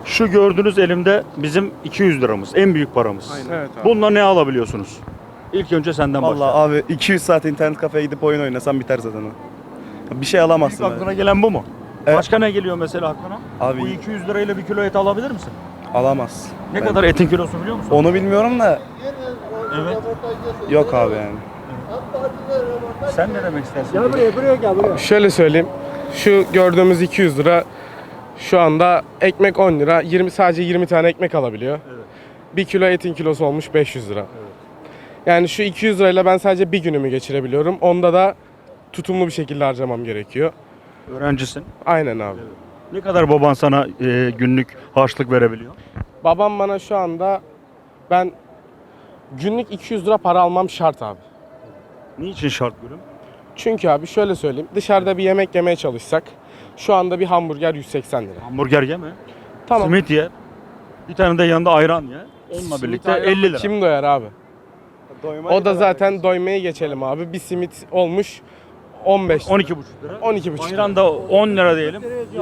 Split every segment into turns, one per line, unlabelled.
Şu gördüğünüz elimde bizim 200 liramız. En büyük paramız.
Aynen. Evet abi.
Bununla ne alabiliyorsunuz? İlk önce senden
Vallahi
başla.
abi 200 saat internet kafeye gidip oyun oynasam biter zaten o. Bir şey
İlk
alamazsın.
aklına
abi.
gelen bu mu?
Evet.
Başka ne geliyor mesela aklına?
Abi
Bu 200 lirayla bir kilo et alabilir misin?
alamaz.
Ne
Ben-
kadar etin kilosu biliyor musun?
Onu bilmiyorum da
Evet.
yok abi yani.
Sen ne demek istersin?
Şöyle söyleyeyim. Şu gördüğümüz 200 lira şu anda ekmek 10 lira. Sadece 20 tane ekmek alabiliyor.
Evet.
1 kilo etin kilosu olmuş 500 lira. Yani şu 200 lirayla ben sadece bir günümü geçirebiliyorum. Onda da tutumlu bir şekilde harcamam gerekiyor.
Öğrencisin.
Aynen abi.
Ne kadar baban sana günlük harçlık verebiliyor?
Babam bana şu anda ben günlük 200 lira para almam şart abi.
Niçin şart gülüm?
Çünkü abi şöyle söyleyeyim. Dışarıda bir yemek yemeye çalışsak şu anda bir hamburger 180 lira.
Hamburger yeme.
Tamam.
Simit ye. Bir tane de yanında ayran ye. Onunla birlikte 50 lira.
Kim doyar abi? O da zaten doymayı geçelim abi. Bir simit olmuş 15 lira.
12,5 lira.
12,5 lira.
Ayran da 10 lira diyelim.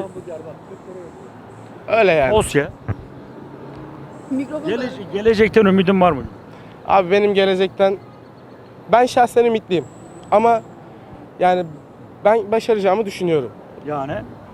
Öyle yani.
Os ye. Gelecekten ümidin var mı?
Abi benim gelecekten ben şahsen ümitliyim. Ama yani ben başaracağımı düşünüyorum.
Yani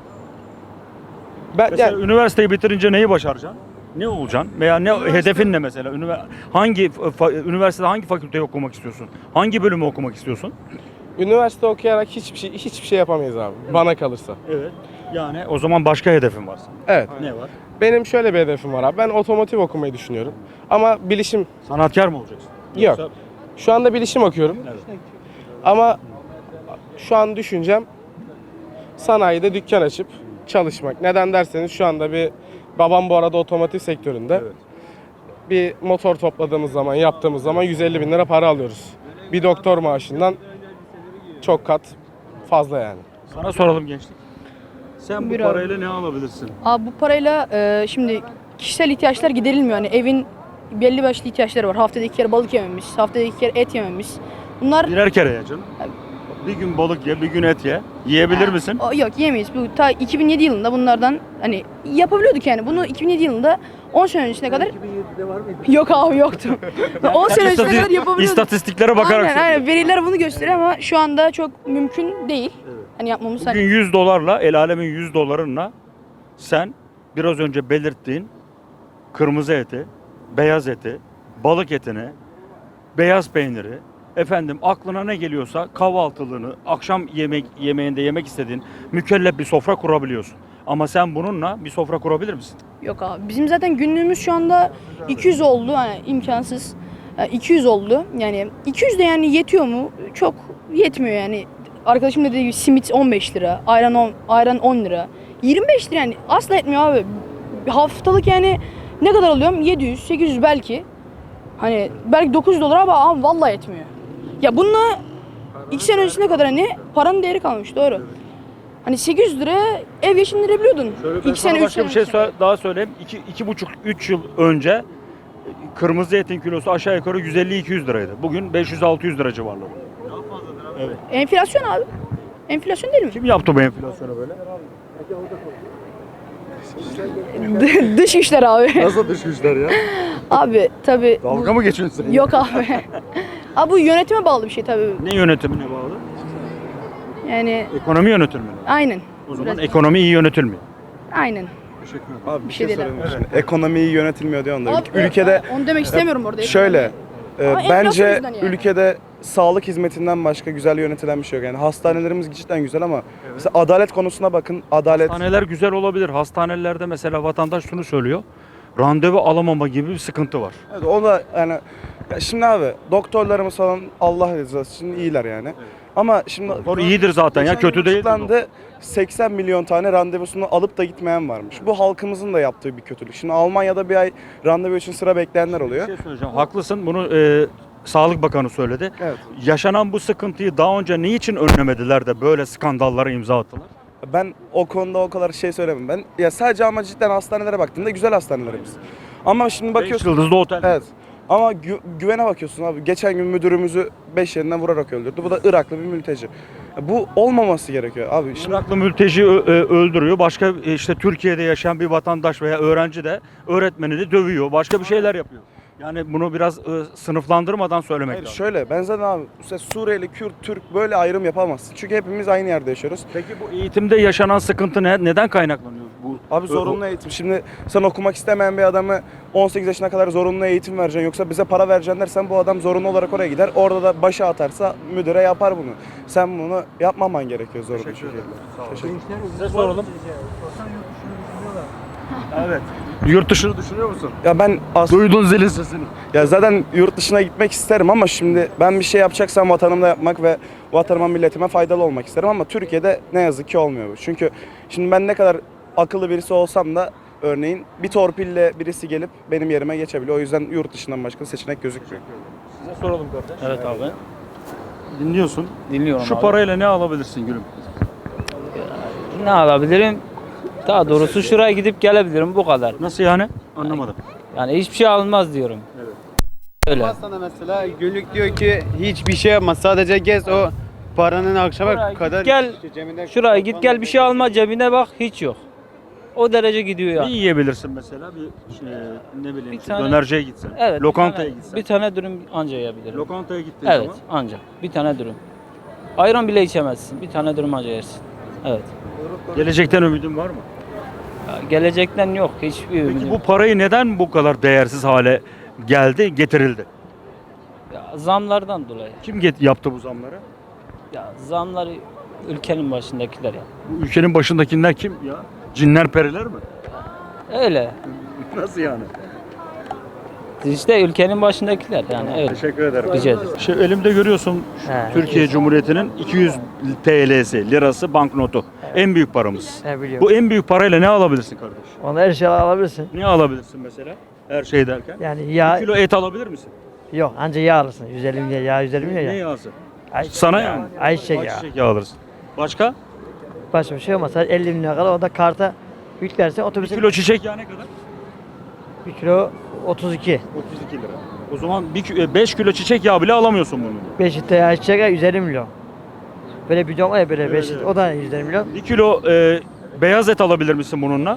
Ben
mesela
yani
üniversiteyi bitirince neyi başaracaksın? Ne olacaksın? Veya ne hedefin ne mesela? Üniversitede hangi fakülteyi okumak istiyorsun? Hangi bölümü okumak istiyorsun?
üniversite okuyarak hiçbir şey yapamayız abi. Bana kalırsa.
Evet. Yani o zaman başka hedefin var senin.
Evet.
Ne var?
Benim şöyle bir hedefim var abi. Ben otomotiv okumayı düşünüyorum. Ama bilişim
Sanatkar mı olacaksın?
yok.
Yoksa-
Şu anda bilişim okuyorum.
Evet.
Ama şu an düşüncem sanayide dükkan açıp çalışmak. Neden derseniz şu anda babam bu arada otomotiv sektöründe.
Evet.
Bir motor topladığımız zaman, yaptığımız zaman 150 bin lira para alıyoruz. Bir doktor maaşından çok kat fazla yani.
Sana soralım gençlik. Sen bu
Buyur abi.
parayla ne alabilirsin?
Abi bu parayla şimdi kişisel ihtiyaçlar giderilmiyor. Hani evin belli başlı ihtiyaçları var. Haftada 2 kere balık yememiz, haftada 2 kere et yememiz. Bunlar
Birer kere ye canım. Bir gün balık ye, bir gün et ye. Yiyebilir misin?
Yok yemeyiz. Bu ta 2007 yılında bunlardan hani yapabiliyorduk yani. Bunu 2007 yılında 10 sene öncesine kadar 2007'de var mıydı? Yok abi yoktu. 10 sene öncesine kadar yapabiliyorduk.
İstatistiklere bakarak
Aynen, aynen. Veriler bunu gösteriyor ama şu anda çok mümkün değil. Hani yapmamız
Bugün 100 dolarla, el alemin 100 dolarınla sen biraz önce belirttiğin kırmızı eti, beyaz eti, balık etini, beyaz peyniri, efendim aklına ne geliyorsa kahvaltılığını, akşam yemeğinde yemek istediğin mükellef bir sofra kurabiliyorsun. Ama sen bununla bir sofra kurabilir misin?
Yok abi. Bizim zaten günlüğümüz şu anda 200 oldu. Yani imkansız. 200 oldu. Yani 200 de yani yetiyor mu? Çok yetmiyor yani. Arkadaşım dediği gibi simit 15 lira, ayran 10 lira. 25 lira yani asla etmiyor abi. Haftalık yani ne kadar alıyorum? 700, 800 belki. Hani belki 900 dolar ama abi vallahi etmiyor. Ya bununla 2 sene öncesine kadar hani paranın değeri kalmış doğru. Hani 800 lira ev geçindirebiliyordun.
Ben
2
sana
sene 3
başka
sene
bir şey
öncesine.
daha söyleyeyim. 2,5-3 yıl önce kırmızı etin kilosu aşağı yukarı 150-200 liraydı. Bugün 500-600 lira civarları. Evet.
Enflasyon abi. Enflasyon değil mi?
Kim yaptı bu enflasyonu böyle?
Dış güçler abi.
Nasıl dış güçler ya?
Abi tabi.
Dalga mı geçiyorsun sen?
Yok abi. Abi bu yönetime bağlı bir şey tabi.
Ne yönetimine bağlı?
Yani
Ekonomi yönetimine.
aynen.
O zaman
Biraz-
ekonomi iyi yönetilmiyor.
Aynen.
Abi bir
Bir
şey
şey değil
sorayım şimdi. Ekonomi iyi yönetilmiyor diyorsun da.
Abi,
Ülkede
onu demek istemiyorum orada.
şöyle
Ama enflasyon
bence
yüzünden yani.
ülkede sağlık hizmetinden başka güzel yönetilen bir şey yok. Yani hastanelerimiz cidden güzel ama mesela adalet konusuna bakın. Adalet
Hastaneler güzel olabilir. Hastanelerde mesela vatandaş şunu söylüyor. Randevu alamama gibi bir sıkıntı var.
evet, o da yani ya şimdi abi doktorlarımız falan Allah rızası için iyiler yani. Ama şimdi
Doktor iyidir zaten ya,
geçen
kötü
gün
değil.
açıklandı, 80 milyon tane randevusunu alıp da gitmeyen varmış. Bu halkımızın da yaptığı bir kötülük. Şimdi Almanya'da bir ay randevu için sıra bekleyenler
Bir
oluyor.
şey söyleyeceğim. Haklısın. Bunu Sağlık Bakanı söyledi.
Evet.
Yaşanan bu sıkıntıyı daha önce niçin önlemediler de böyle skandallara imza attılar?
Ben o konuda o kadar şey söylemem. Ben ya sadece ama cidden hastanelere baktığımda güzel hastanelerimiz. Ama şimdi
5
bakıyorsun.
yıldızlı otel.
Evet. Ama güvene bakıyorsun abi. Geçen gün müdürümüzü 5 yerinden vurarak öldürdü. Bu da Iraklı bir mülteci. Bu olmaması gerekiyor abi. Şimdi
Iraklı mülteci öldürüyor. Başka işte Türkiye'de yaşayan bir vatandaş veya öğrenci de öğretmeni de dövüyor. Başka bir şeyler yapıyor. Yani bunu biraz sınıflandırmadan söylemek
hayır,
lazım.
şöyle ben zaten abi mesela Suriyeli, Kürt, Türk böyle ayrım yapamazsın. Çünkü hepimiz aynı yerde yaşıyoruz.
Peki bu eğitimde yaşanan sıkıntı neden kaynaklanıyor? Bu
Abi zorunlu eğitim. Şimdi sen okumak istemeyen bir adamı 18 yaşına kadar zorunlu eğitim vereceksin. Yoksa bize para vereceksin dersen bu adam zorunlu olarak oraya gider. Orada da başa atarsa müdüre yapar bunu. Sen bunu yapmaman gerekiyor zorunlu
Teşekkür
şekilde.
ederim. Sağ olun.
Teşekkür
Size soralım. Evet. Yurt dışını düşünüyor musun?
Ya ben
Duydun zilin sesini.
ya zaten yurt dışına gitmek isterim ama şimdi ben bir şey yapacaksam vatanımda yapmak ve vatanıma milletime faydalı olmak isterim ama Türkiye'de ne yazık ki olmuyor bu. Çünkü şimdi ben ne kadar akıllı birisi olsam da örneğin bir torpille birisi gelip benim yerime geçebiliyor. O yüzden yurt dışından başka seçenek gözükmüyor.
Size soralım kardeş.
Evet abi.
Dinliyorsun.
Dinliyorum
Şu
abi.
parayla ne alabilirsin gülüm?
Ne alabilirim? Daha doğrusu şuraya gidip gelebilirim bu kadar.
Nasıl yani? Anlamadım.
Yani hiçbir şey alınmaz diyorum.
Evet.
Öyle.
Sana mesela günlük diyor ki hiçbir şey yapma sadece gez o paranın akşama
Şuraya
kadar
git gel,
işte cebinde
şuraya git gel bir şey alma cebine bak hiç yok. O derece gidiyor
Ne
yani.
yiyebilirsin mesela? Bir ne bileyim
Bir
işte
tane-
dönerciye gitsen.
Evet.
Lokantaya
bir tane,
gitsen.
Bir tane dürüm anca yiyebilirim.
Lokantaya gittiğin
Evet
zaman
anca. Bir tane dürüm. Ayran bile içemezsin. Bir tane dürüm anca yersin. Evet.
gelecekten ümidin var mı?
Ya gelecekten yok hiçbir ümidim.
Peki bu parayı neden bu kadar değersiz hale getirildi?
Ya, zamlardan dolayı.
Kim yaptı bu zamları?
Ya zamları ülkenin başındakiler ya.
Bu ülkenin başındakiler kim ya? Cinler periler mi?
Öyle.
Nasıl yani?
İşte ülkenin başındakiler yani öyle.
Teşekkür ederim.
Rica ederim.
Elimde görüyorsun
He.
Türkiye Cumhuriyeti'nin 200 TL'si, lirası banknotu. En büyük paramız.
Ne biliyorum.
Bu en büyük parayla ne alabilirsin kardeş?
Onu her şeyi alabilirsin.
Ne alabilirsin mesela? Her şey derken.
Yani
Bir
yağ
kilo et alabilir misin?
yok anca yağ alırsın. 150 milyon yağ 150 milyon
Ne
ya.
yağsı?
Ayçiçek
Sana
yağı,
yani.
Ayçiçek yağı.
Ayçiçek yağı alırsın. Başka?
Başka bir şey olmasa 50 milyon kadar o da karta yüklersen
1
otobüse
kilo çiçek yağı ne kadar?
1 kilo 32.
32 lira. O zaman 5 kilo çiçek yağı bile alamıyorsun bunu.
5 litre ayçiçek yağı 150 milyon. Böyle bidon var ya böyle 5
Evet,
litre o da 150 milyon.
1 kilo beyaz et alabilir misin bununla?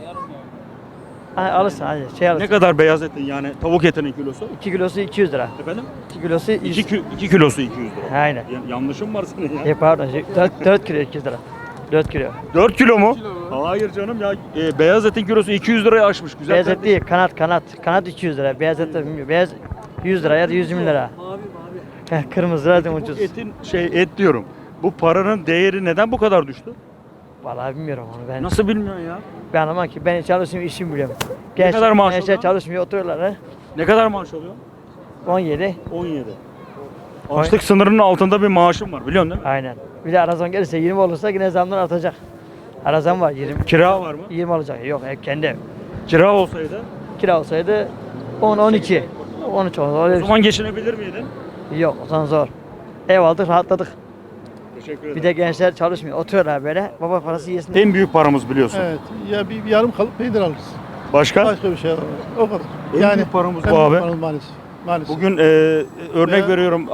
Ha, alırsın hadi şey
Ne
alırsın.
kadar beyaz etin yani tavuk etinin kilosu?
2 kilosu 200 lira.
Efendim?
2 kilosu 100.
2 kilosu 200 lira.
Aynen.
Yanlışım var senin ya.
Pardon 4 kilo 200 lira. 4 kilo.
4 kilo mu? Hayır canım ya. Beyaz etin kilosu 200 liraya aşmış. Güzel
Beyaz et
kardeşim.
değil kanat. Kanat 200 lira. Beyaz et de bilmiyorum. Beyaz 100 lira ya da 120 lira. Kırmızı zaten
Bu
ucuz.
etin et diyorum. Bu paranın değeri neden bu kadar düştü?
Vallahi bilmiyorum onu ben.
Nasıl bilmiyorsun ya?
Ben anlamam ki ben çalışıyorum işimi biliyorum.
kadar maaş
gençler
alıyorsun?
çalışmıyor oturuyorlar ha.
Ne kadar maaş alıyor?
17
17. Açlık sınırının altında bir maaşım var biliyorsun değil mi?
aynen. Bir de arazon gelirse 20 olursa yine zamlar artacak. Arazon var 20.
Kira var mı?
20 olacak. Yok ev kendi ev.
Kira olsaydı
Kira olsaydı 10 12. 13 oldu.
o
Öyle
zaman geçinebilir miydin?
yok o zaman zor. Ev aldık rahatladık.
Teşekkür ederim.
Bir de gençler çalışmıyor. Oturuyorlar böyle. Baba parası yesin.
En büyük paramız biliyorsun.
Evet. Ya bir yarım kalıp peynir alırız.
Başka?
Başka bir şey alamıyoruz. O kadar.
En büyük paramız
en
bu
büyük
abi.
paramız maalesef. Maalesef.
Bugün örnek
Veya-
veriyorum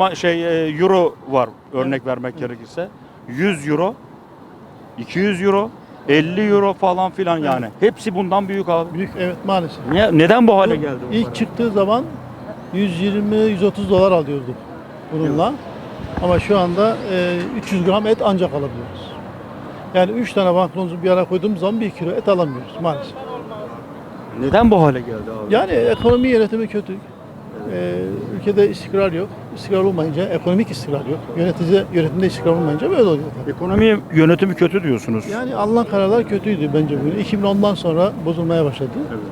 euro var örnek vermek gerekirse. 100 euro, 200 euro, 50 euro falan filan yani. Hepsi bundan büyük abi.
Büyük evet maalesef.
Neden bu hale geldi bu para?
İlk çıktığı zaman 120-130 dolar alıyorduk bununla. Ama şu anda 300 gram et ancak alabiliyoruz. Yani 3 tane banknotu bir ara koyduğumuz zaman 1 kilo et alamıyoruz maalesef.
Neden bu hale geldi abi?
Yani ekonomi yönetimi kötü. Ülkede istikrar yok. İstikrar olmayınca ekonomik istikrar yok. Yönetimde istikrar olmayınca böyle oluyor. tabii.
Ekonomi yönetimi kötü diyorsunuz.
Yani alınan kararlar kötüydü bence bugün. 2010'dan sonra bozulmaya başladı.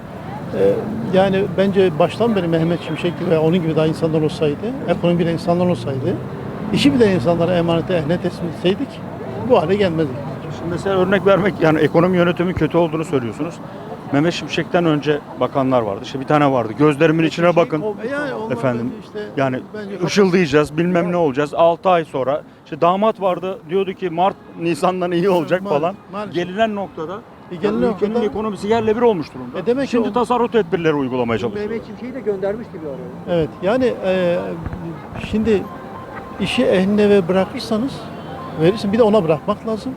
Yani bence baştan beri Mehmet Şimşek gibi ve onun gibi daha insanlar olsaydı, ekonomi bilen insanlar olsaydı, işi bilen insanlara emanete ehline teslim etseydik bu hale gelmezdik.
Şimdi mesela örnek vermek yani ekonomi yönetimi kötü olduğunu söylüyorsunuz. Mehmet Şimşek'ten önce bakanlar vardı. İşte bir tane vardı. Gözlerimin içine bakın.
Yani onlar
Efendim,
bence işte,
Yani
bence
ışıldayacağız, bilmem ne olacağız. 6 ay sonra işte damat vardı diyordu ki Mart Nisan'dan iyi olacak
Maalesef,
falan.
maalesef.
Gelinen noktada
Genel
Yani ülkenin
noktada
ekonomisi yerle bir olmuş durumda.
demek ki
Şimdi
o-
tasarruf tedbirleri uygulamaya çalışıyor.
Mehmet Şimşek'i de göndermişti bir ara.
evet yani şimdi işi ehline ve bırakırsanız verirsin bir de ona bırakmak lazım.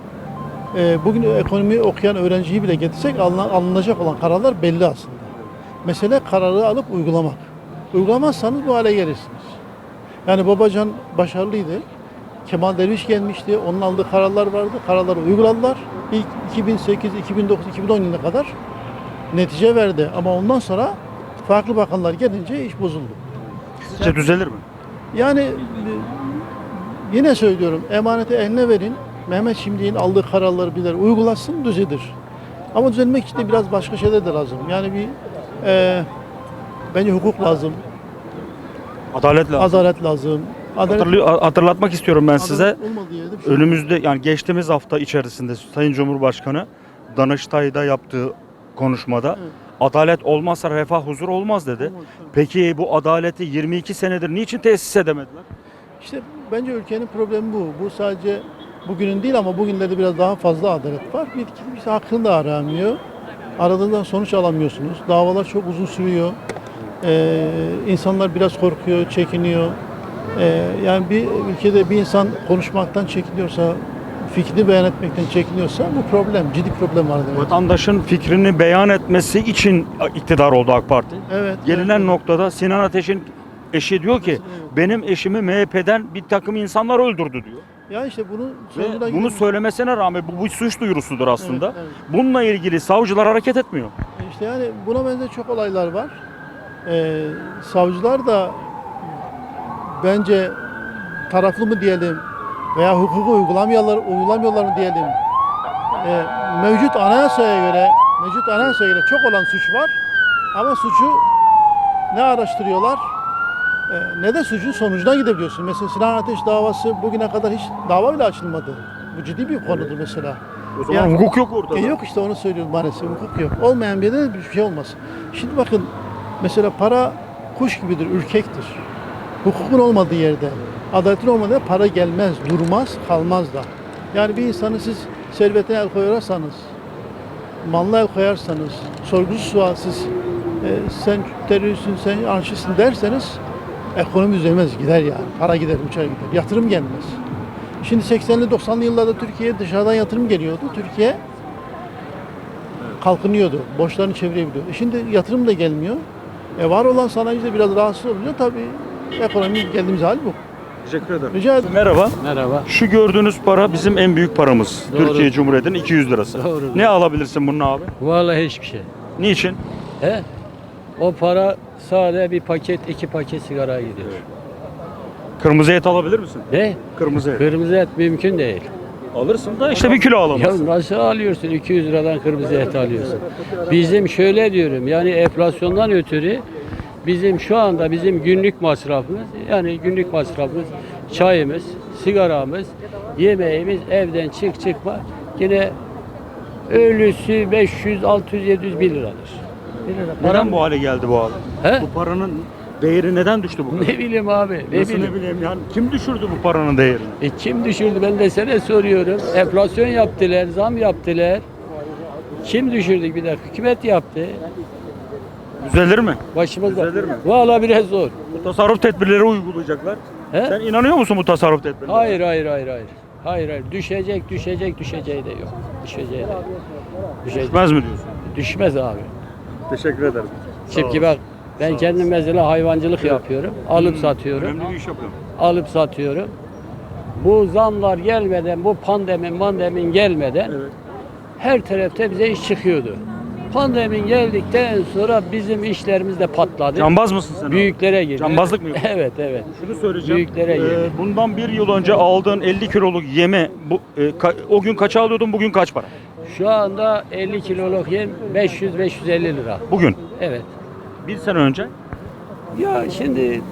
Bugün ekonomi okuyan öğrenciyi bile getirsek alınacak olan kararlar belli aslında. Mesele kararı alıp uygulamak. Uygulamazsanız bu hale gelirsiniz. Yani Babacan başarılıydı. Kemal Derviş gelmişti. Onun aldığı kararlar vardı. Kararları uyguladılar. İlk 2008, 2009, 2010 yılına kadar netice verdi. Ama ondan sonra farklı bakanlar gelince iş bozuldu.
Sizce düzelir mi?
Yani yine söylüyorum emaneti eline verin. Mehmet Şimdi'nin aldığı kararları bilir, uygulasın düzelir. Ama düzelmek için de biraz başka şeyler de lazım. Yani bir bence hukuk lazım,
Adalet lazım.
adalet lazım.
Hatırlatmak istiyorum ben size.
Adalet olmadığı yerde bir şey yok.
Önümüzde yani geçtiğimiz hafta içerisinde Sayın Cumhurbaşkanı Danıştay'da yaptığı konuşmada
Evet.
adalet olmazsa refah huzur olmaz dedi.
Olmaz, evet.
Peki bu adaleti 22 senedir niçin tesis edemediler?
İşte bence ülkenin problemi bu. Bu sadece bugünün değil ama bugünlerde biraz daha fazla adalet var. Bir kimse hakkını da aramıyor. Aradığından sonuç alamıyorsunuz. Davalar çok uzun sürüyor. İnsanlar biraz korkuyor, çekiniyor. Yani bir ülkede bir insan konuşmaktan çekiniyorsa, fikrini beyan etmekten çekiniyorsa bu problem, ciddi problem var demek.
Vatandaşın fikrini beyan etmesi için iktidar oldu AK Parti.
Evet.
Gelinen
evet.
noktada Sinan Ateş'in eşi diyor ki
Evet.
benim eşimi MHP'den bir takım insanlar öldürdü diyor.
Ya işte bunu
Ve
sorguna
bunu
girmek-
söylemesine rağmen bu suç duyurusudur aslında.
Evet, evet.
Bununla ilgili savcılar hareket etmiyor.
İşte yani buna benzer çok olaylar var. Savcılar da bence taraflı mı diyelim veya hukuku uygulamıyorlar mı diyelim. Mevcut anayasaya göre çok olan suç var. Ama suçu ne araştırıyorlar ne de suçun sonucuna gidebiliyorsun. Mesela Sinan Ateş davası bugüne kadar hiç dava bile açılmadı. Bu ciddi bir konudur mesela.
O zaman
Yani-
hukuk yok ortada.
Yok işte onu söylüyorum maalesef hukuk yok. Olmayan bir yerde bir şey olmaz. Şimdi bakın mesela para kuş gibidir, ürkektir. Hukukun olmadığı yerde, adaletin olmadığı yerde para gelmez, durmaz, kalmaz da. Yani bir insanı siz servetine el koyarsanız, malına el koyarsanız, sorgusuz sualsiz sen teröristsin, sen anarşistsin derseniz ekonomi düzelmez, gider yani. Para gider, uçar gider. Yatırım gelmez. Şimdi 80'li 90'lı yıllarda Türkiye'ye dışarıdan yatırım geliyordu. Türkiye kalkınıyordu. Borçlarını çevirebiliyor. Şimdi yatırım da gelmiyor. Var olan sanayici de biraz rahatsız oluyor. Tabii ekonomi geldiğimiz hal bu.
Teşekkür ederim.
Rica ederim.
Merhaba.
Merhaba.
Şu gördüğünüz para bizim en büyük paramız.
Doğru.
Türkiye Cumhuriyeti'nin 200 lirası.
Doğru.
Ne alabilirsin bunun abi?
Vallahi hiçbir şey.
Niçin?
He? O para sadece bir paket, iki paket sigara gidiyor.
Kırmızı et alabilir misin?
Ne?
Kırmızı et.
Kırmızı et mümkün değil.
Alırsın da işte bir kilo
Ya
alamazsın.
nasıl alıyorsun? 200 liradan kırmızı et alıyorsun. Bizim şöyle diyorum yani enflasyondan ötürü bizim şu anda bizim günlük masrafımız yani günlük masrafımız çayımız, sigaramız, yemeğimiz evden çıkma yine ölüsü 500, 600, 700 1 liradır. 1 lira.
Neden bu hale geldi bu abi?
He?
Bu paranın değeri neden düştü bu kadar?
Ne bileyim abi, ne
Nasıl
bileyim.
ne bileyim yani kim düşürdü bu paranın değerini?
Kim düşürdü ben de sana soruyorum. Enflasyon yaptılar, zam yaptılar. Kim düşürdü bir dakika? Hükümet yaptı.
Düzelir mi?
Başımızda.
Düzelir mi?
Vallahi biraz zor.
Bu tasarruf tedbirleri uygulayacaklar.
He?
Sen inanıyor musun bu tasarruf tedbirlerine?
Hayır. Hayır. Düşeceği de yok. Düşeceği de.
Düşmez mi diyorsun?
Düşmez abi.
Teşekkür ederim.
Çünkü bak ben kendim mesela hayvancılık yapıyorum. Alıp satıyorum.
Önemli bir iş yapıyorum.
Alıp satıyorum. Bu zamlar gelmeden, bu pandemin gelmeden her tarafta bize iş çıkıyordu. Pandemin geldikten sonra bizim işlerimiz de patladı.
Cambaz mısın sen? abi?
Büyüklere girdi.
Cambazlık mı yapıyorsun?
Evet.
Şunu söyleyeceğim.
Büyüklere girdi.
Bundan bir yıl önce aldığın 50 kiloluk yeme o gün kaça alıyordun bugün kaç para?
Şu anda 50 kiloluk yem 500-550 lira.
Bugün.
Evet.
Bir sene önce
Ya şimdi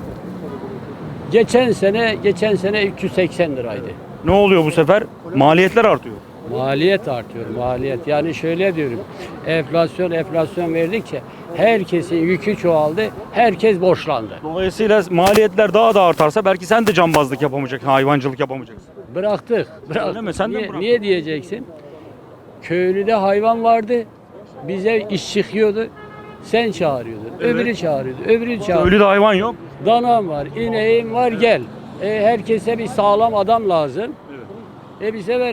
geçen sene 380 liraydı.
ne oluyor bu sefer? Maliyetler artıyor.
Maliyet artıyor, maliyet. Yani şöyle diyorum, enflasyon verdikçe herkesin yükü çoğaldı, herkes borçlandı.
Dolayısıyla maliyetler daha da artarsa belki sen de cambazlık yapamayacaksın, hayvancılık yapamayacaksın.
Bıraktık.
Öyle mi? Sen de mi bıraktın?
Niye diyeceksin? köylüde hayvan vardı. Bize iş çıkıyordu. Sen çağırıyordun. Öbürü çağırıyordu. Öbürü çağırıyordu.
Ölü de hayvan yok.
Danam var, ineğim var gel. Herkese bir sağlam adam lazım. Bir sefer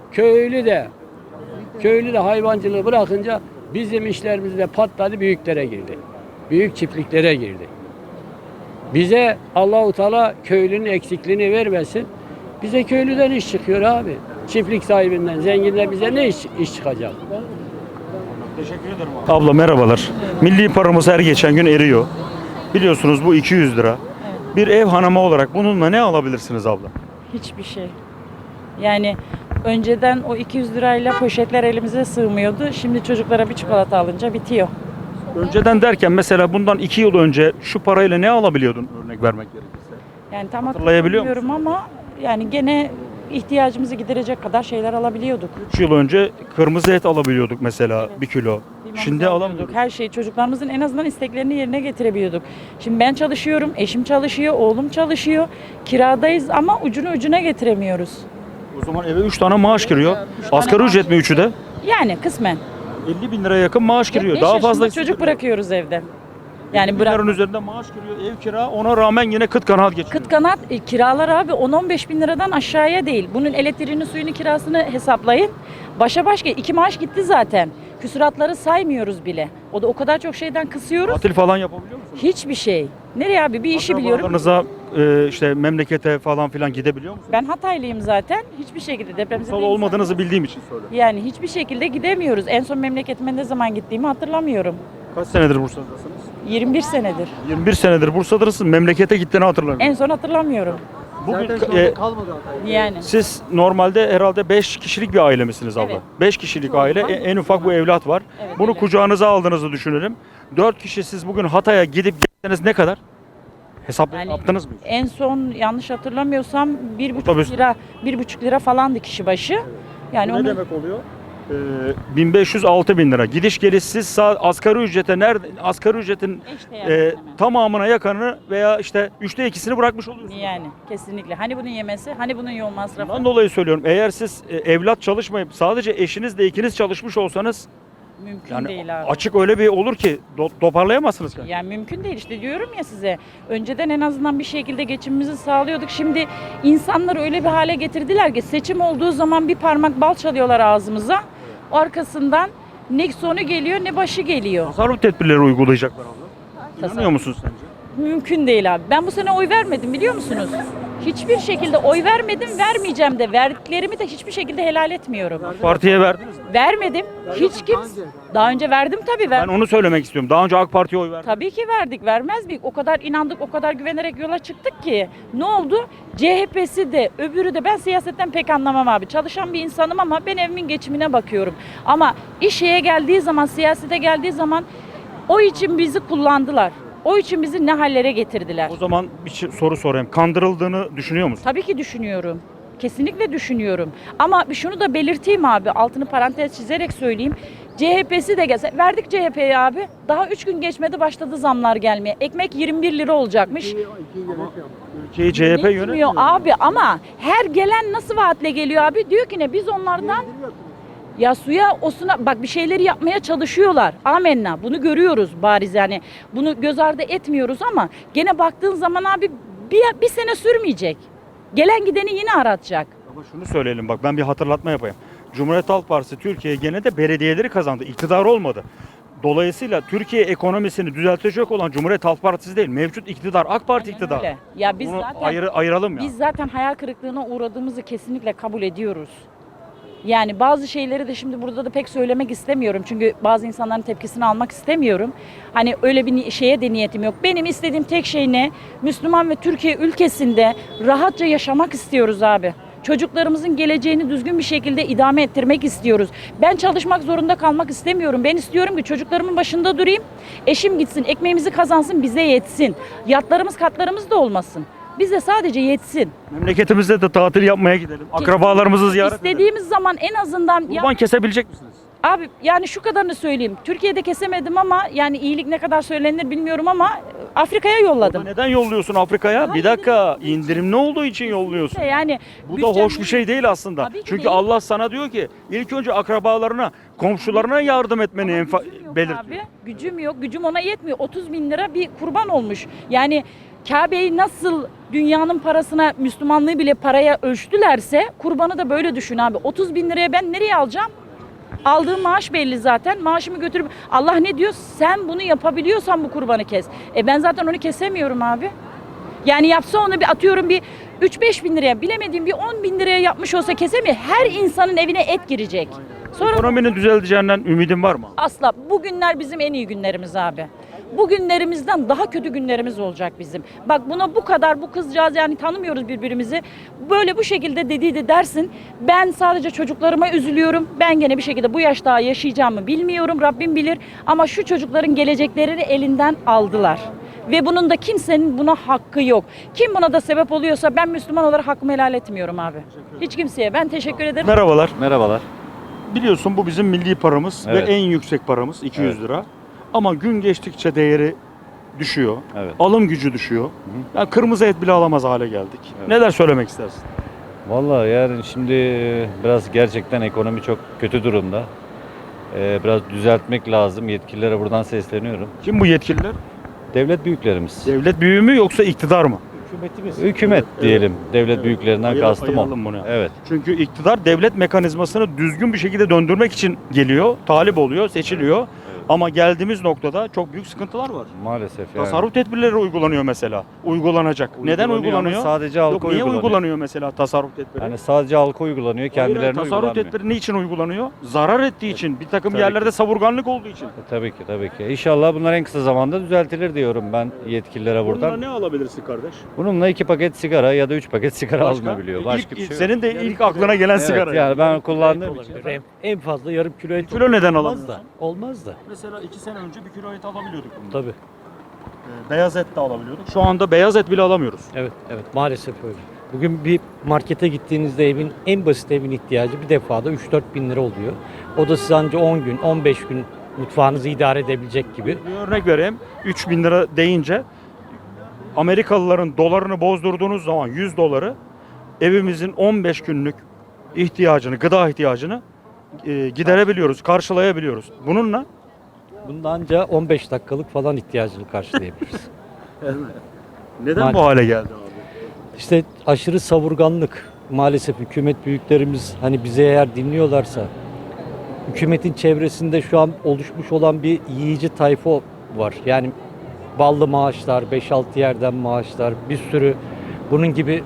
köylü de hayvancılığı bırakınca bizim işlerimiz de patladı, büyüklere girdi. Büyük çiftliklere girdi. Bize Allahu Teala köylünün eksikliğini vermesin. Bize köylüden iş çıkıyor abi. Çiftlik sahibinden, zenginden bize ne iş çıkacak?
Teşekkür ederim abi. Abla merhabalar. Milli paramız her geçen gün eriyor. Biliyorsunuz bu 200 lira. Bir ev hanımı olarak bununla ne alabilirsiniz abla?
Hiçbir şey. Yani önceden o 200 lirayla poşetler elimize sığmıyordu. Şimdi çocuklara bir çikolata alınca bitiyor.
Önceden derken mesela bundan 2 yıl önce şu parayla ne alabiliyordun örnek vermek gerekirse?
Yani tam
Hatırlayabiliyor
hatırlamıyorum ama yani gene ihtiyacımızı giderecek kadar şeyler alabiliyorduk.
3 yıl önce kırmızı et alabiliyorduk mesela 1 kilo.
Limon
Şimdi
alıyorduk.
alamıyoruz.
Her şeyi çocuklarımızın en azından isteklerini yerine getirebiliyorduk. Şimdi ben çalışıyorum, eşim çalışıyor, oğlum çalışıyor. Kiradayız ama ucunu ucuna getiremiyoruz.
O zaman eve 3 tane maaş giriyor.
tane
Asgari
maaş
ücret mi üçü de?
Yani kısmen.
50 bin liraya yakın maaş giriyor.
5
Daha
yaşında
fazla
çocuk bırakıyoruz evde. Yani
bırak. Üzerinde maaş giriyor, ev kira, ona rağmen yine kıt kanaat geçiyor.
Kıt kanaat kiralar abi 10-15 bin liradan aşağıya değil. Bunun elektriğini, suyunu, kirasını hesaplayın. Başa başka 2 maaş gitti zaten. Küsuratları saymıyoruz bile. O da o kadar çok şeyden kısıyoruz.
Tatil falan yapabiliyor musunuz?
Hiçbir şey. Nereye abi? Bir işi biliyorum.
Akrabalarınıza işte memlekete falan filan gidebiliyor musunuz?
Ben Hataylıyım zaten. Hiçbir şekilde depremzede
Kutsal olmadığınızı bildiğim için söylüyorum.
Yani hiçbir şekilde gidemiyoruz. En son memleketime ne zaman gittiğimi hatırlamıyorum.
Kaç senedir Bursa'dasınız?
21 senedir.
21 senedir Bursa'dasınız. Memlekete gittiğini hatırlamıyorum.
En son hatırlamıyorum.
Bugün
Zaten şu anda kalmadı Hatay'da.
Yani.
siz normalde herhalde 5 kişilik bir aile misiniz abla?
Evet.
5 kişilik aile, en ufak bu evlat var.
Evet,
Bunu
öyle.
kucağınıza aldığınızı düşünelim. 4 kişi siz bugün Hatay'a gidip gelseniz ne kadar?
Yani
Yaptınız mı?
en son yanlış hatırlamıyorsam 1,5
Otobüs.
lira 1,5 lira falandı kişi başı. Yani
Bu ne
onu
demek oluyor? 1500-6000 lira. Gidiş geliş siz asgari ücrete asgari ücretin
İşte yani hemen.
tamamına yakınını veya işte 3'te 2'sini bırakmış oluyorsunuz.
Yani kesinlikle. Hani bunun yemesi, hani bunun yol masrafı.
Bundan dolayı söylüyorum. Eğer siz evlat çalışmayıp sadece eşinizle ikiniz çalışmış olsanız
Mümkün
yani
değil abi.
açık öyle bir olur ki toparlayamazsınız.
Yani mümkün değil işte diyorum ya size. Önceden en azından bir şekilde geçimimizi sağlıyorduk. Şimdi insanlar öyle bir hale getirdiler ki seçim olduğu zaman bir parmak bal çalıyorlar ağzımıza. Arkasından ne sonu geliyor ne başı geliyor.
Tasarruf tedbirleri uygulayacaklar abla. İnanıyor musunuz sence?
Mümkün değil abi. Ben bu sene oy vermedim biliyor musunuz? Hiçbir şekilde oy vermedim, vermeyeceğim de. Verdiklerimi de hiçbir şekilde helal etmiyorum.
Partiye verdiniz mi?
Vermedim. Hiç kimse. Daha önce verdim tabii.
Ben onu söylemek istiyorum. Daha önce AK Parti'ye oy verdim.
Tabii ki verdik. Vermez miyik? O kadar inandık, o kadar güvenerek yola çıktık ki. Ne oldu? CHP'si de, öbürü de. Ben siyasetten pek anlamam abi. Çalışan bir insanım ama ben evimin geçimine bakıyorum. Ama işe geldiği zaman, siyasete geldiği zaman o için bizi kullandılar. O için bizi ne hallere getirdiler.
O zaman bir soru sorayım. Kandırıldığını düşünüyor musun?
Tabii ki düşünüyorum. Kesinlikle düşünüyorum. Ama şunu da belirteyim abi. Altını parantez çizerek söyleyeyim. CHP'si de gelse. Verdik CHP'ye abi. Daha 3 gün geçmedi başladı zamlar gelmeye. Ekmek 21 lira olacakmış.
Ülkeyi CHP
Yetmiyor
yönetmiyor.
abi ama her gelen nasıl vaatle geliyor abi? Diyor ki ne biz onlardan ya suya osuna bak bir şeyleri yapmaya çalışıyorlar. Amenna. Bunu görüyoruz yani. Bunu göz ardı etmiyoruz ama gene baktığın zaman abi bir sene sürmeyecek. Gelen gideni yine aratacak.
Ama şunu söyleyelim bak ben bir hatırlatma yapayım. Cumhuriyet Halk Partisi Türkiye gene de belediyeleri kazandı. İktidar olmadı. Dolayısıyla Türkiye ekonomisini düzeltecek olan Cumhuriyet Halk Partisi değil. Mevcut iktidar AK Parti
Aynen
iktidarı.
öyle. Ya biz
Bunu
zaten
ayıralım ya.
biz zaten hayal kırıklığına uğradığımızı kesinlikle kabul ediyoruz. Yani bazı şeyleri de şimdi burada da pek söylemek istemiyorum. Çünkü bazı insanların tepkisini almak istemiyorum. Hani öyle bir şeye de niyetim yok. Benim istediğim tek şey ne? Müslüman ve Türkiye ülkesinde rahatça yaşamak istiyoruz abi. Çocuklarımızın geleceğini düzgün bir şekilde idame ettirmek istiyoruz. Ben çalışmak zorunda kalmak istemiyorum. Ben istiyorum ki çocuklarımın başında durayım. Eşim gitsin, ekmeğimizi kazansın, bize yetsin. Yatlarımız, katlarımız da olmasın. Bize sadece yetsin.
Memleketimizde de tatil yapmaya gidelim. Akrabalarımızı ziyaret edelim.
İstediğimiz zaman en azından
Kurban kesebilecek misiniz?
Abi yani şu kadarını söyleyeyim. Türkiye'de kesemedim ama yani iyilik ne kadar söylenir bilmiyorum ama Afrika'ya yolladım.
Neden yolluyorsun Afrika'ya? Bir dakika, indirimli olduğu için yolluyorsun.
Yani
Bu da hoş bir şey değil aslında.
Tabii ki
Çünkü
değil.
Allah sana diyor ki ilk önce akrabalarına, komşularına yardım etmeni belirtiyor.
Abi, gücüm yok. Gücüm ona yetmiyor. 30 bin lira bir kurban olmuş. Yani Kabe'yi nasıl dünyanın parasına, Müslümanlığı bile paraya ölçtülerse kurbanı da böyle düşün abi. 30 bin liraya ben nereye alacağım? Aldığım maaş belli zaten. Maaşımı götürüp Allah ne diyor? Sen bunu yapabiliyorsan bu kurbanı kes. Ben zaten onu kesemiyorum abi. Yani yapsa onu bir atıyorum bir 3-5 bin liraya, bilemediğim bir 10 bin liraya yapmış olsa kesemiyor. Her insanın evine et girecek. Sonra
Ekonominin düzeleceğinden ümidin var mı?
asla. Bugünler bizim en iyi günlerimiz abi. Bugünlerimizden daha kötü günlerimiz olacak bizim. Bak buna bu kadar, bu kızcağız yani tanımıyoruz birbirimizi. Böyle bu şekilde dediydi dersin. Ben sadece çocuklarıma üzülüyorum. Ben gene bir şekilde bu yaş daha yaşayacağımı bilmiyorum. Rabbim bilir. Ama şu çocukların geleceklerini elinden aldılar. Ve bunun da kimsenin buna hakkı yok. Kim buna da sebep oluyorsa ben Müslüman olarak hakkımı helal etmiyorum abi. Hiç kimseye. Ben teşekkür ederim.
Merhabalar.
Merhabalar.
Biliyorsun bu bizim milli paramız
Evet.
ve en yüksek paramız 200 lira. Ama gün geçtikçe değeri düşüyor.
Evet.
Alım gücü düşüyor. Yani kırmızı et bile alamaz hale geldik.
Evet.
Neler söylemek istersin?
Vallahi yani şimdi biraz gerçekten ekonomi çok kötü durumda. Biraz düzeltmek lazım. Yetkililere buradan sesleniyorum.
Kim bu yetkililer?
Devlet büyüklerimiz.
Devlet büyüğü mü yoksa iktidar mı?
Hükümet diyelim. Devlet büyüklerinden kastım o.
Ayıralım bunu.
Evet.
Çünkü iktidar devlet mekanizmasını düzgün bir şekilde döndürmek için geliyor, talip oluyor, seçiliyor. Ama geldiğimiz noktada çok büyük sıkıntılar var.
Maalesef yani.
Tasarruf tedbirleri uygulanıyor mesela. Uygulanacak. Neden
Uygulanıyor ama
uygulanıyor?
sadece halka
Yok, niye
uygulanıyor.
uygulanıyor mesela tasarruf tedbiri?
Yani sadece halka uygulanıyor, kendilerine
Hayır, tasarruf
uygulanmıyor.
tedbiri niçin uygulanıyor? Zarar ettiği için, bir takım
Tabii
yerlerde
ki.
savurganlık olduğu için.
Tabii ki, tabii ki. İnşallah bunlar en kısa zamanda düzeltilir diyorum ben yetkililere
Bununla
buradan.
ne alabilirsin kardeş?
Bununla 2 paket sigara ya da 3 paket sigara
Başka?
alınabiliyor. Başka bir şey yok.
Senin de ilk aklına gelen
Evet,
sigara.
yani ben kullandığım için.
En fazla yarım kilo et
Kilo neden
olmaz
alamıyorsun?
da. Olmaz da.
Mesela 2 sene önce bir kilo et alabiliyorduk bunu.
Tabii.
Beyaz et de alabiliyorduk. Şu anda beyaz et bile alamıyoruz.
Evet, evet maalesef öyle. Bugün bir markete gittiğinizde evin en basit evin ihtiyacı bir defada 3-4 bin lira oluyor. O da size anca 10 gün, 15 gün mutfağınızı idare edebilecek gibi.
Bir örnek vereyim. 3.000 lira deyince Amerikalıların dolarını bozdurduğunuz zaman 100 doları evimizin 15 günlük ihtiyacını, gıda ihtiyacını giderebiliyoruz, karşılayabiliyoruz. Bununla
Bunda anca 15 dakikalık falan ihtiyacını karşılayabiliriz.
neden bu hale geldi abi?
İşte aşırı savurganlık. Maalesef hükümet büyüklerimiz hani bize eğer dinliyorlarsa hükümetin çevresinde şu an oluşmuş olan bir yiyici tayfa var. Yani ballı maaşlar, 5-6 yerden maaşlar, bir sürü bunun gibi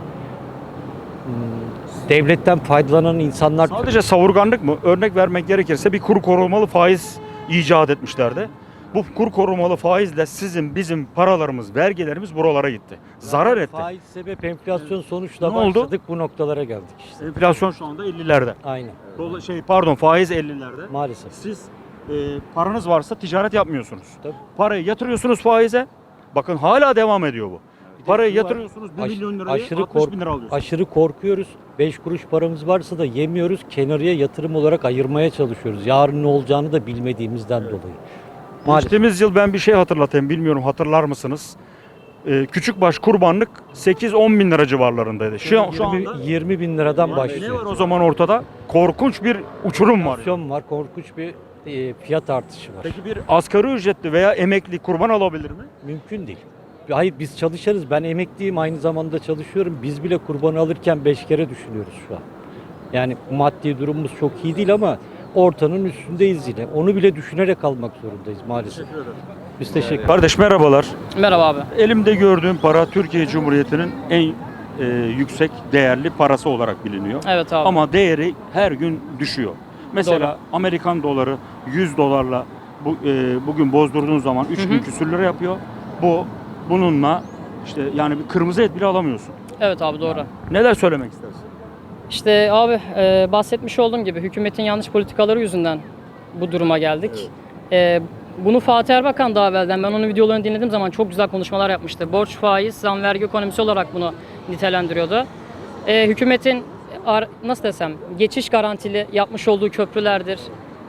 devletten faydalanan insanlar.
Sadece savurganlık mı? Örnek vermek gerekirse bir kur korumalı faiz icat etmişlerdi. Bu kur korumalı faizle sizin, bizim paralarımız, vergilerimiz buralara gitti. Zarar etti.
Faiz sebep enflasyon sonuçla
Ne oldu?
başladık, bu noktalara geldik işte.
Enflasyon şu anda 50'lerde.
Aynen.
Faiz 50'lerde.
Maalesef.
Siz paranız varsa ticaret yapmıyorsunuz.
Tabii.
Parayı yatırıyorsunuz faize. Bakın hala devam ediyor bu. Parayı
şu var,
yatırıyorsunuz 1 milyon lirayı
aşırı
60 bin lira alıyorsunuz.
aşırı korkuyoruz. 5 kuruş paramız varsa da yemiyoruz. Kenarıya yatırım olarak ayırmaya çalışıyoruz. Yarın ne olacağını da bilmediğimizden dolayı. Maalesef.
Geçtiğimiz yıl ben bir şey hatırlatayım. Bilmiyorum hatırlar mısınız? Küçükbaş kurbanlık 8-10 bin lira civarlarındaydı. Şu anda
20 bin liradan
ne
başlıyor.
var o zaman ortada? Korkunç bir uçurum var.
Enflasyon var, korkunç bir fiyat artışı var.
Peki bir asgari ücretli veya emekli kurban alabilir mi?
Mümkün değil. Hayır biz çalışırız. Ben emekliyim, aynı zamanda çalışıyorum. Biz bile kurbanı alırken 5 kere düşünüyoruz şu an. Yani maddi durumumuz çok iyi değil ama ortanın üstündeyiz yine. Onu bile düşünerek almak zorundayız maalesef. Biz teşekkür ederiz.
Kardeş merhabalar.
Merhaba abi.
Elimde gördüğüm para Türkiye Cumhuriyeti'nin en yüksek değerli parası olarak biliniyor.
Evet abi.
Ama değeri her gün düşüyor. Mesela Amerikan doları 100 dolarla bugün bozdurduğun zaman 3000 küsür lira yapıyor. Bununla işte yani bir kırmızı et bile alamıyorsun.
Evet abi doğru.
Neler söylemek istersin?
İşte abi bahsetmiş olduğum gibi hükümetin yanlış politikaları yüzünden bu duruma geldik. Bunu Fatih Erbakan daha evvelden ben onun videolarını dinlediğim zaman çok güzel konuşmalar yapmıştı. Borç, faiz, zam, vergi ekonomisi olarak bunu nitelendiriyordu. Hükümetin nasıl desem geçiş garantili yapmış olduğu köprülerdir,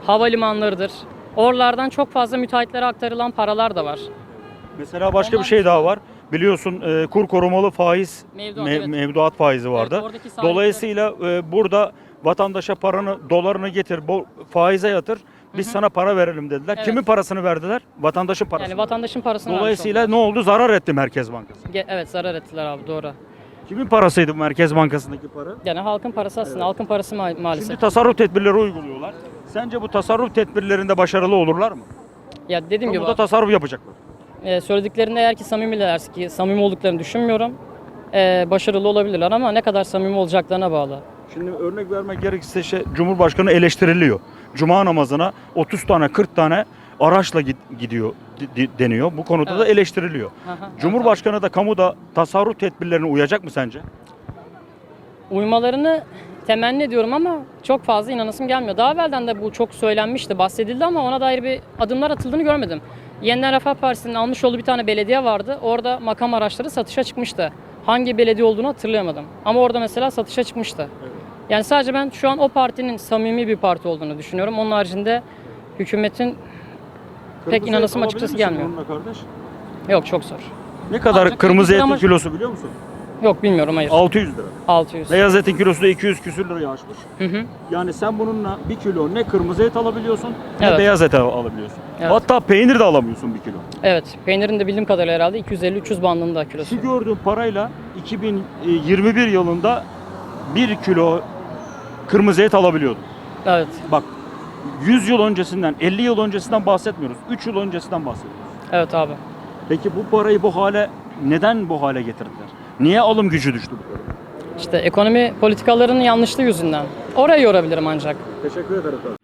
havalimanlarıdır. Oralardan çok fazla müteahhitlere aktarılan paralar da var.
Mesela başka bir şey daha var. Biliyorsun kur korumalı faiz
Mevduat, evet.
mevduat faizi vardı.
Evet, oradaki sahipler-
Dolayısıyla burada vatandaşa dolarını getir, faize yatır. Biz sana para verelim dediler.
Evet.
Kimin parasını verdiler? Vatandaşın parasını.
Yani vatandaşın parasını vermiş
Dolayısıyla
oldular.
ne oldu? Zarar etti Merkez Bankası.
Evet, zarar ettiler abi, doğru.
Kimin parasıydı bu Merkez Bankası'ndaki para?
Yani halkın parası aslında, halkın parası maalesef.
Şimdi tasarruf tedbirleri uyguluyorlar. Sence bu tasarruf tedbirlerinde başarılı olurlar mı?
Ya dediğim gibi
Burada tasarruf yapacaklar.
söylediklerinde eğer ki samimilerse, ki samimi olduklarını düşünmüyorum, başarılı olabilirler ama ne kadar samimi olacaklarına bağlı.
Şimdi örnek vermek gerekirse Cumhurbaşkanı eleştiriliyor. Cuma namazına 30 tane 40 tane araçla gidiyor deniyor. Bu konuda da
Evet.
eleştiriliyor.
Aha,
Cumhurbaşkanı da kamuda tasarruf tedbirlerine uyacak mı sence?
Uymalarını temenni ediyorum ama çok fazla inanasım gelmiyor. Daha evvelden de bu çok söylenmişti, bahsedildi ama ona dair bir adımlar atıldığını görmedim. Yeniden Refah Partisi'nin almış olduğu bir tane belediye vardı. Orada makam araçları satışa çıkmıştı. Hangi belediye olduğunu hatırlayamadım. Ama orada mesela satışa çıkmıştı. Yani sadece ben şu an o partinin samimi bir parti olduğunu düşünüyorum. Onun haricinde hükümetin pek inanasım açıkçası gelmiyor.
Kardeş?
Yok, çok zor.
Ne kadar
Ancak
kırmızı
bir
etin
ama-
kilosu biliyor musun?
Yok, bilmiyorum, hayır.
600 lira.
600.
Beyaz etin kilosu da 200 küsür liraya aşmış.
Hı hı.
Yani sen bununla 1 kilo ne kırmızı et alabiliyorsun ne
Evet.
beyaz et alabiliyorsun.
Evet.
Hatta peynir de alamıyorsun 1 kilo.
Evet, peynirin de bildiğim kadarıyla herhalde 250-300 bandında kilosu.
Şu gördüğün parayla 2021 yılında 1 kilo kırmızı et alabiliyordun.
Evet,
Bak 100 yıl öncesinden, 50 yıl öncesinden bahsetmiyoruz. 3 yıl öncesinden bahsediyoruz.
evet abi.
Peki bu parayı neden bu hale getirdiler? Niye alım gücü düştü bu kadar?
İşte ekonomi politikalarının yanlışlığı yüzünden. Orayı yorabilirim ancak.
Teşekkür ederim.